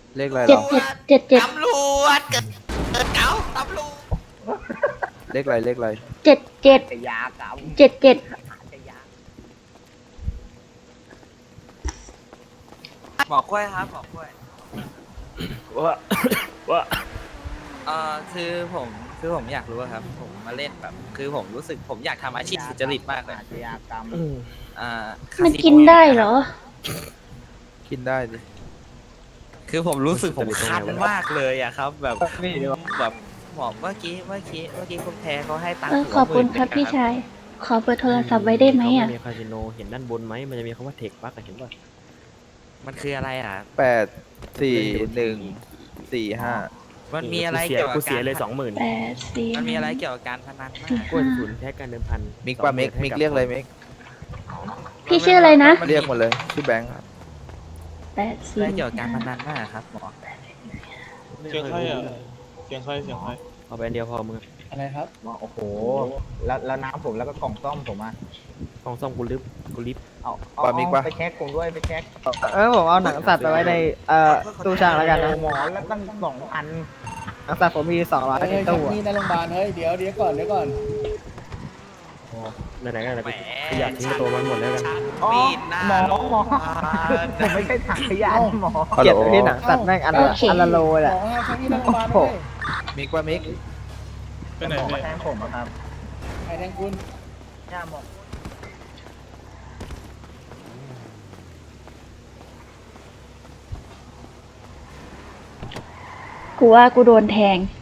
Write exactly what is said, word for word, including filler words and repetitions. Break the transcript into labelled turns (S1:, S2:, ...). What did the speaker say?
S1: เลขอะไรหร
S2: เจ็ด
S1: อ
S2: เจ็ดเจ็ดเจ็ด
S3: ตำรวจเกิดเกิดเก่าตำรวจ
S1: เลขอะไรเลขอะไร
S2: เจ็ดเจ็ด
S4: จะยากรรม
S2: เจ็ดเจ็ด
S4: จะยาก
S3: หมอกล้วยครับหมอกล้วย
S5: ว่าว่า
S3: เอ่อคือผมคือผมอยากรู้อะครับ ผมมาเล่นแบบ คือผมรู้สึกผมอยากทำอาชีพสุจริตมากเลย
S4: อาชญากรรม
S5: อืม
S3: อ่า
S2: มัน
S3: คาสิโ
S2: กินได้เหรอ
S1: กินได้ดิ
S3: คือผมรู้สึกผมคันมากเลยอะครับ แบบแบบหมอเมื่อกี้เมื่อกี้เมื่อกี้คุณแพรเขาให้ตังค์
S2: เออ
S3: ผม
S2: ขอบคุณ
S3: หมื่น
S2: ครับ
S3: หนึ่ง
S2: พี่
S3: อะ
S2: ชาย ขอเบอร์โทรศัพท์ไว้ได้ไหมอ่ะ
S5: เขามีคาสิโนเห็นด้านบนไหมมันจะมีคำว่าเทคปักเห็นป่ะ
S3: มันคืออะไรอ่ะ
S1: แปดสี่หนึ่งสี่ห้า
S3: มันมีอะไร
S5: เสีย
S3: เกี่ยวกับ
S5: กูเสีย
S3: การ
S5: เลยสองหมื่น
S2: แปดสี่
S3: มันมีอะไรเกี่ยวกับการพนันมาก
S5: กล้วยศูนย์แพ็กการเดิมพัน
S1: มิกป่ะมิกมิกเรียกอะไรมิก
S2: พี่ชื่ออะไรนะ
S1: เรียกหมดเลยชื่อแบงค์ครับ
S2: แปด
S3: อะ
S2: สี่
S3: ไรเกี่ยวกับการพนันมากครับหมอ
S6: เสียงใครอ่ะ เสียงใคร เสียงใคร
S5: เอาไปอันเดียวพอมึง
S6: อะไรครับ
S4: บอกโอ้โห แล้วแล้วน้ำผมแล้วก็กล่องซ่อมผมอ่ะ
S5: กองซ่อมกูลิฟกูลิฟ
S4: เอาเอาเอาไปเช็คผมด้วยไปเช็ค
S7: เออผมเอาหนังสัตว์ไปไว้ในเอ่อตู้ช่างแล้วกันนะ
S4: โอ้หมอแล้วตั้งสองอัน
S7: หนังสัตว์ผมมีสองร้อย
S6: เฮ้ย
S7: ใน
S6: ชัก
S7: ตู้
S6: มี
S7: อะ
S6: ดในโรงพยาบาล เฮ้ย เดี๋ยวเดี๋ยวก่อน เดี๋ยวก่อน
S5: ไหนๆก็ไหนๆกูกูอยากทิ้งตัวมันหมดแล้วกัน
S4: อ๋อ
S3: มีดหน้า
S4: หมอ
S3: โรง
S4: หมอ
S3: พยาบาล
S4: ผมไม่ใช่ถังขยะหมอ
S1: ฮัล
S7: เก
S1: โหล
S7: ลียดที่หนังสัตว์แม่งอันละอันละโลแห
S6: หม
S7: ละ
S6: อห้ามชักมีดในโรงพยาบาลเลย
S1: มิกป่ะมิก
S6: ไปไหน
S4: หมอมา
S6: เนี่ย
S4: แทงผมอะครับ
S6: ใครแทงคุณ
S4: ย่าหมอ
S2: กูว่ากูโดนแทง